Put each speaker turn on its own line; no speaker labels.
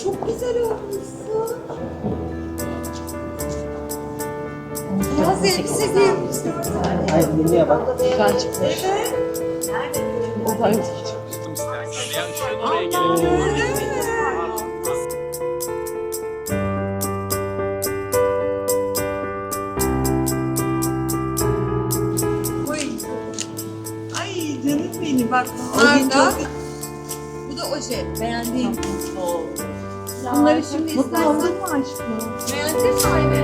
çok güzel olmuşsun. Beyaz elbise giymişsin.
Ay yemeğe bak.
Güzel çıkmış.
Evet.
O da
Oy. Ay canım benim bak bunlar da. Bu da oje. Beğendiğim. Bunları şimdi istersen.
Mutlu oldun mu aşkım?
Beğendin mi Aynen?